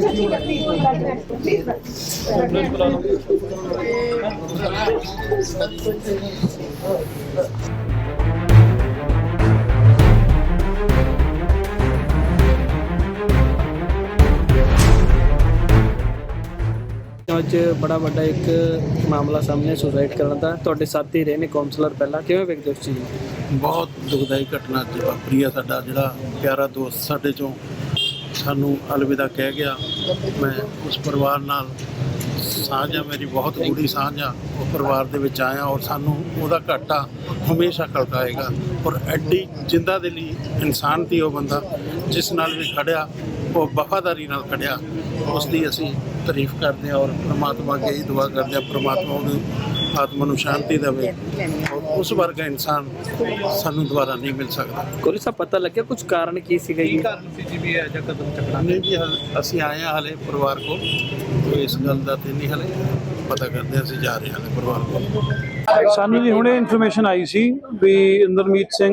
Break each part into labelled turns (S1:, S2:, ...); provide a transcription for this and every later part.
S1: ਅੱਜ ਬੜਾ ਵੱਡਾ ਇੱਕ ਮਾਮਲਾ ਸਾਹਮਣੇ ਸੁਸਾਈਡ ਕਰਨ ਦਾ। ਤੁਹਾਡੇ ਸਾਥੀ ਰਹੇ ਨੇ ਕਾਉਂਸਲਰ, ਪਹਿਲਾਂ ਕਿਵੇਂ ਵੇਖਦੇ ਉਸ ਚੀਜ਼ ਨੂੰ?
S2: ਬਹੁਤ ਦੁਖਦਾਈ ਘਟਨਾ ਅੱਜ ਵਾਪਰੀ ਆ। ਸਾਡਾ ਜਿਹੜਾ ਪਿਆਰਾ ਦੋਸਤ ਸਾਡੇ ਚੋਂ ਸਾਨੂੰ ਅਲਵਿਦਾ ਕਹਿ ਗਿਆ। ਮੈਂ ਉਸ ਪਰਿਵਾਰ ਨਾਲ ਸਾਂਝ ਆ, ਮੇਰੀ ਬਹੁਤ ਗੂੜੀ ਸਾਂਝ ਆ ਉਹ ਪਰਿਵਾਰ ਦੇ ਵਿੱਚ ਆਇਆ, ਔਰ ਸਾਨੂੰ ਉਹਦਾ ਘਾਟਾ ਹਮੇਸ਼ਾ ਖੜਕਾਏਗਾ। ਔਰ ਐਡੀ ਜਿੰਦਾ ਦੇ ਲਈ ਇਨਸਾਨ ਸੀ ਉਹ ਬੰਦਾ, ਜਿਸ ਨਾਲ ਵੀ ਖੜਿਆ ਉਹ ਵਫਾਦਾਰੀ ਨਾਲ ਖੜਿਆ। ਉਸ ਦੀ ਅਸੀਂ ਤਾਰੀਫ ਕਰਦੇ ਹਾਂ ਔਰ ਪ੍ਰਮਾਤਮਾ ਅੱਗੇ ਹੀ ਦੁਆ ਕਰਦੇ ਹਾਂ, ਪ੍ਰਮਾਤਮਾ ਉਹਨੂੰ ਆਤਮਾ ਨੂੰ ਸ਼ਾਂਤੀ ਦੇਵੇ। ਔਰ ਉਸ ਵਰਗਾ ਇਨਸਾਨ ਸਾਨੂੰ ਦੁਬਾਰਾ ਨਹੀਂ ਮਿਲ ਸਕਦਾ।
S1: ਕੋਈ ਸਾ ਪਤਾ ਲੱਗਿਆ ਕੁਝ ਕਾਰਨ ਕੀ ਸੀਗਾ ਜੀ?
S2: ਨਹੀਂ ਜੀ, ਅਸੀਂ ਆਏ ਹਾਂ ਹਲੇ ਪਰਿਵਾਰ ਕੋਲ, ਕੋਈ ਇਸ ਗੱਲ ਦਾ ਤੇ ਨਹੀਂ ਹਲੇ ਪਤਾ ਕਰਦੇ। ਅਸੀਂ ਜਾ ਰਹੇ ਹਾਂ ਪਰਿਵਾਰ ਕੋਲ।
S3: ਸਾਨੂੰ ਜੀ ਹੁਣੇ ਇਨਫੋਰਮੇਸ਼ਨ ਆਈ ਸੀ ਵੀ ਇੰਦਰਮੀਤ ਸਿੰਘ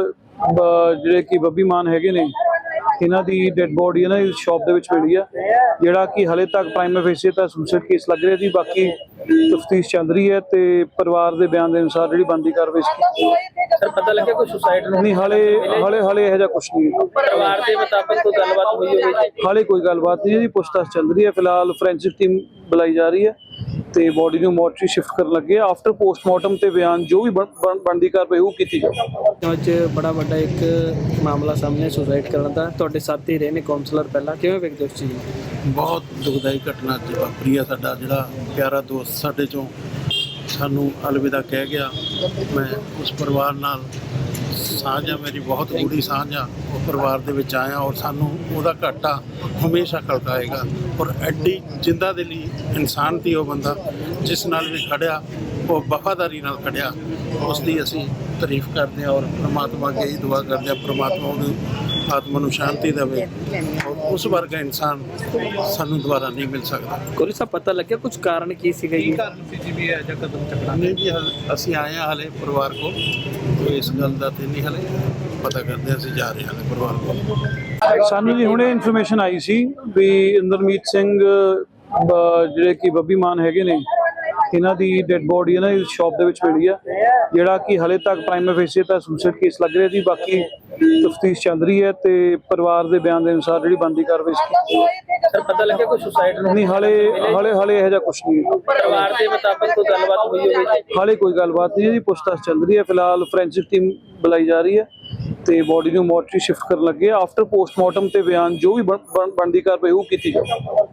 S3: ਜਿਹੜੇ ਕਿ ਬੱਬੀ ਮਾਨ ਹੈਗੇ ਨੇ, ਇਹਨਾਂ ਦੀ ਡੈਡ ਬੋਡੀ ਇਹਨਾਂ ਦੀ ਸ਼ਾਪ ਦੇ ਵਿੱਚ ਮਿਲੀ ਆ, ਜਿਹੜਾ ਕਿ ਹਲੇ ਤੱਕ ਪ੍ਰਾਈਮ ਫੇਸੀ ਤਾਂ ਸੁਸਾਈਡ ਕੇਸ ਲੱਗ ਰਿਹਾ ਜੀ। ਬਾਕੀ ਤਫਤੀਸ਼ ਚੱਲ ਰਹੀ ਹੈ ਤੇ ਪਰਿਵਾਰ ਦੇ ਬਿਆਨ ਦੇ ਅਨੁਸਾਰ ਜਿਹੜੀ ਬਣਦੀ ਕਾਰਵਾਈ
S1: ਸਰ ਪਤਾ ਲੱਗਿਆ ਕੋਈ ਸੁਸਾਈਡ
S3: ਨਹੀਂ, ਹਲੇ ਇਹੋ ਜਿਹਾ ਕੁਛ ਨਹੀਂ।
S1: ਪਰਿਵਾਰ ਦੇ ਮੁਤਾਬਕ ਕੋਈ ਗੱਲਬਾਤ ਹੋਈ ਹੋਵੇ?
S3: ਹਾਲੇ ਕੋਈ ਗੱਲਬਾਤ ਨਹੀਂ ਜੀ, ਪੁੱਛਤਾਛ ਚੱਲ ਰਹੀ ਹੈ। ਫਿਲਹਾਲ ਫੋਰੈਂਸਿਕ ਟੀਮ ਬੁਲਾਈ ਜਾ ਰਹੀ ਹੈ ਤੇ ਬੋਡੀ ਨੂੰ ਮੋਰਚਰੀ ਸ਼ਿਫਟ ਕਰਨ ਲੱਗੇ। ਆਫਟਰ ਪੋਸਟਮਾਰਟਮ ਤੇ ਬਿਆਨ ਜੋ ਵੀ ਬਣਦੀ ਕਾਰਵਾਈ ਉਹ ਕੀਤੀ ਜਾਊ।
S1: ਅੱਜ ਬੜਾ ਵੱਡਾ ਇੱਕ ਮਾਮਲਾ ਸਾਹਮਣੇ ਸੁਸਾਈਡ ਕਰਨ ਦਾ। ਤੁਹਾਡੇ ਸਾਥੀ ਰਹੇ ਨੇ ਕਾਉਂਸਲਰ, ਪਹਿਲਾਂ ਕਿਵੇਂ ਵੇਖਦੇ ਉਸ ਚੀਜ਼ ਨੂੰ?
S2: ਬਹੁਤ ਦੁਖਦਾਈ ਘਟਨਾ ਅੱਜ ਵਾਪਰੀ ਆ। ਸਾਡਾ ਜਿਹੜਾ ਪਿਆਰਾ ਦੋਸਤ ਸਾਡੇ ਚੋਂ ਸਾਨੂੰ ਅਲਵਿਦਾ ਕਹਿ ਗਿਆ। ਮੈਂ ਉਸ ਪਰਿਵਾਰ ਨਾਲ ਸਾਂਝ ਆ, ਮੇਰੀ ਬਹੁਤ ਗੂੜੀ ਸਾਂਝ ਆ ਉਹ ਪਰਿਵਾਰ ਦੇ ਵਿੱਚ ਆਇਆ, ਔਰ ਸਾਨੂੰ ਉਹਦਾ ਘਾਟਾ ਹਮੇਸ਼ਾ ਖੜਕਾਏਗਾ। ਔਰ ਐਡੀ ਜਿੰਦਾ ਦੇ ਲਈ ਇਨਸਾਨ ਸੀ ਉਹ ਬੰਦਾ, ਜਿਸ ਨਾਲ ਵੀ ਖੜਿਆ ਉਹ ਵਫਾਦਾਰੀ ਨਾਲ ਖੜਿਆ। ਉਸ ਦੀ ਅਸੀਂ ਤਾਰੀਫ ਕਰਦੇ ਹਾਂ ਔਰ ਪ੍ਰਮਾਤਮਾ ਅੱਗੇ ਹੀ ਦੁਆ ਕਰਦੇ ਹਾਂ, ਪ੍ਰਮਾਤਮਾ ਉਹਨੂੰ ਆਤਮਾ ਨੂੰ ਸ਼ਾਂਤੀ ਦੇਵੇ। ਔਰ ਉਸ ਵਰਗਾ ਇਨਸਾਨ ਸਾਨੂੰ ਦੁਬਾਰਾ ਨਹੀਂ ਮਿਲ ਸਕਦਾ।
S1: ਕੋਈ ਸਾ ਪਤਾ ਲੱਗਿਆ ਕੁਝ ਕਾਰਨ ਕੀ ਸੀਗਾ ਜੀ?
S2: ਨਹੀਂ ਜੀ, ਅਸੀਂ ਆਏ ਹਾਂ ਹਲੇ ਪਰਿਵਾਰ ਕੋਲ, ਕੋਈ ਇਸ ਗੱਲ ਦਾ ਤੇ ਨਹੀਂ ਹਲੇ ਪਤਾ ਕਰਦੇ। ਅਸੀਂ ਜਾ ਰਹੇ ਹਾਂ ਪਰਿਵਾਰ ਕੋਲ।
S3: ਸਾਨੂੰ ਜੀ ਹੁਣੇ ਇਨਫੋਰਮੇਸ਼ਨ ਆਈ ਸੀ ਵੀ ਇੰਦਰਮੀਤ ਸਿੰਘ ਜਿਹੜੇ ਕਿ ਬੱਬੀ ਮਾਨ ਹੈਗੇ ਨੇ, ਇਹਨਾਂ ਦੀ ਡੈਡ ਬੋਡੀ ਇਹਨਾਂ ਦੀ ਸ਼ਾਪ ਦੇ ਵਿੱਚ ਮਿਲੀ ਆ, ਜਿਹੜਾ ਕਿ ਹਲੇ ਤੱਕ ਪ੍ਰਾਈਮ ਫੇਸੀ ਤਾਂ ਸੁਸਾਈਡ ਕੇਸ ਲੱਗ ਰਿਹਾ ਜੀ। ਬਾਕੀ ਤਫਤੀਸ਼ ਚੱਲ ਰਹੀ ਹੈ ਤੇ ਪਰਿਵਾਰ ਦੇ ਬਿਆਨ ਦੇ ਅਨੁਸਾਰ ਜਿਹੜੀ ਬਣਦੀ ਕਾਰਵਾਈ
S1: ਸਰ ਪਤਾ ਲੱਗਿਆ ਕੋਈ ਸੁਸਾਈਡ
S3: ਨਹੀਂ, ਹਲੇ ਇਹੋ ਜਿਹਾ ਕੁਛ ਨਹੀਂ।
S1: ਪਰਿਵਾਰ ਦੇ ਮੁਤਾਬਕ ਕੋਈ ਗੱਲਬਾਤ ਹੋਈ ਹੋਵੇ?
S3: ਹਾਲੇ ਕੋਈ ਗੱਲਬਾਤ ਨਹੀਂ ਜੀ, ਪੁੱਛਤਾਛ ਚੱਲ ਰਹੀ ਹੈ। ਫਿਲਹਾਲ ਫੋਰੈਂਸਿਕ ਟੀਮ ਬੁਲਾਈ ਜਾ ਰਹੀ ਹੈ ਤੇ ਬੋਡੀ ਨੂੰ ਮੋਰਚਰੀ ਸ਼ਿਫਟ ਕਰਨ ਲੱਗੇ। ਆਫਟਰ ਪੋਸਟਮਾਰਟਮ ਤੇ ਬਿਆਨ ਜੋ ਵੀ ਬਣਦੀ ਕਾਰਵਾਈ ਉਹ ਕੀਤੀ ਜਾਊ।